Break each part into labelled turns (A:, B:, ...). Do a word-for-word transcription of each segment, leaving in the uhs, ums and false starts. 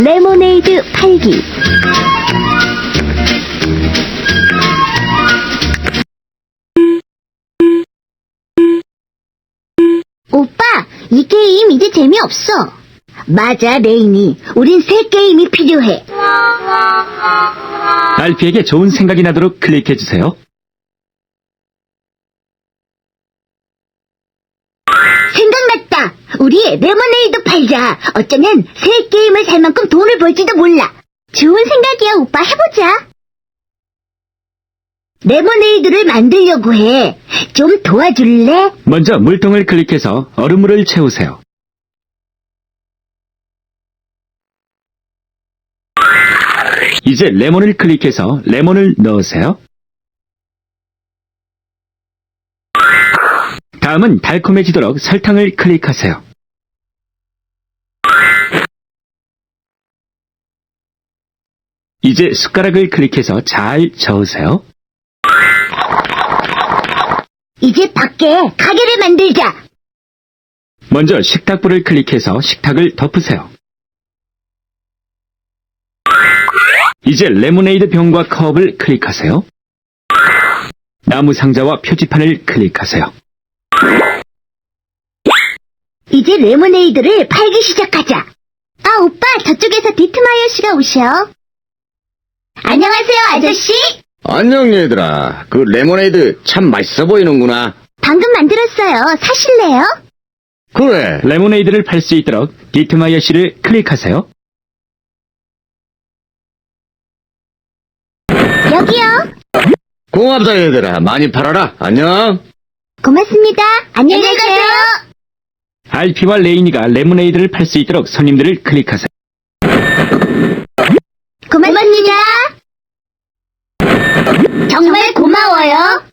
A: 레모네이드 팔기. 오빠, 이 게임 이제 재미없어. 맞아, 레인이. 우린 새 게임이 필요해.
B: 알피에게 좋은 생각이 나도록 클릭해주세요.
A: 생각났다. 우리 레모네이드 팔자. 어쩌면 새 게임을 살 만큼 돈을 벌지도 몰라. 좋은 생각이야, 오빠. 해보자. 레모네이드를 만들려고 해. 좀 도와줄래?
B: 먼저 물통을 클릭해서 얼음물을 채우세요. 이제 레몬을 클릭해서 레몬을 넣으세요. 다음은 달콤해지도록 설탕을 클릭하세요. 이제 숟가락을 클릭해서 잘 저으세요.
A: 이제 밖에 가게를 만들자.
B: 먼저 식탁불을 클릭해서 식탁을 덮으세요. 이제 레모네이드 병과 컵을 클릭하세요. 나무 상자와 표지판을 클릭하세요.
A: 이제 레모네이드를 팔기 시작하자. 아, 오빠, 저쪽에서 디트마이어 씨가 오셔. 안녕하세요, 아저씨.
C: 안녕 얘들아. 그 레모네이드 참 맛있어 보이는구나.
A: 방금 만들었어요. 사실래요?
C: 그래.
B: 레모네이드를 팔 수 있도록 디트마이어 씨를 클릭하세요.
A: 여기요.
C: 고맙다 얘들아. 많이 팔아라. 안녕.
A: 고맙습니다. 안녕히 가세요.
B: 알피와 레이니가 레모네이드를 팔 수 있도록 손님들을 클릭하세요.
A: 고맙습니다. 정말 고마워요.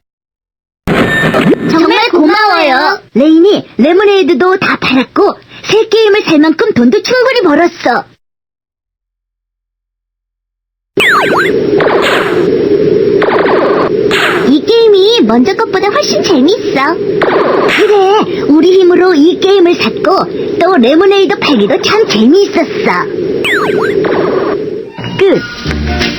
A: 정말 고마워요. 레인이 레모네이드도 다 팔았고 새 게임을 살 만큼 돈도 충분히 벌었어. 이 게임이 먼저 것보다 훨씬 재밌어. 그래, 우리 힘으로 이 게임을 샀고 또 레모네이드 팔기도 참 재미있었어. 끝.